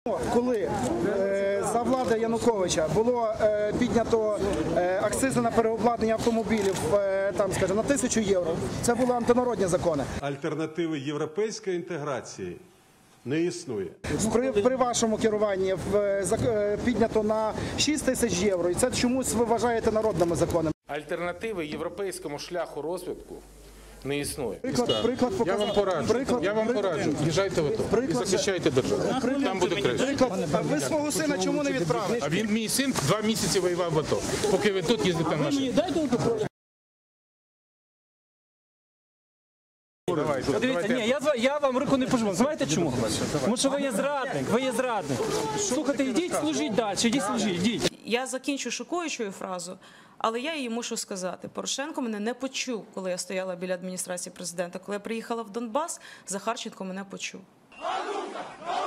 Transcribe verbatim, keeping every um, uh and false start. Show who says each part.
Speaker 1: Коли е, за влади Януковича було е, піднято е, акцизи на переобладнання автомобілів е, там, скажімо, на тисячу євро, це були антинародні закони.
Speaker 2: Альтернативи європейської інтеграції не існує.
Speaker 1: При, при вашому керуванні в, е, піднято на шість тисяч євро, і це чомусь ви вважаєте народними законами.
Speaker 3: Альтернативи європейському шляху розвитку не існує.
Speaker 1: Приклад, приклад
Speaker 3: Я
Speaker 1: показав.
Speaker 3: вам пораджу,
Speaker 1: Приклад,
Speaker 3: я вам
Speaker 1: приклад,
Speaker 3: пораджу. Їжджайте в АТО і
Speaker 1: Приклад-
Speaker 3: захищайте державу. Там буде краще.
Speaker 1: Приклад, а ви свого сина чому не відправили?
Speaker 3: А він, мій син, два місяці воював в АТО, поки ви тут їздите в машині.
Speaker 4: Давайте, Дивіться, ні, я, я вам руку не пожму. Знаєте чому? Тому що ви є зрадник, ви є зрадник. Слухайте, йдіть, служіть далі, йдіть, служіть, йдіть.
Speaker 5: Я закінчу шокуючою фразу, але я її мушу сказати. Порошенко мене не почув, коли я стояла біля адміністрації президента. Коли я приїхала в Донбас, Захарченко мене почув.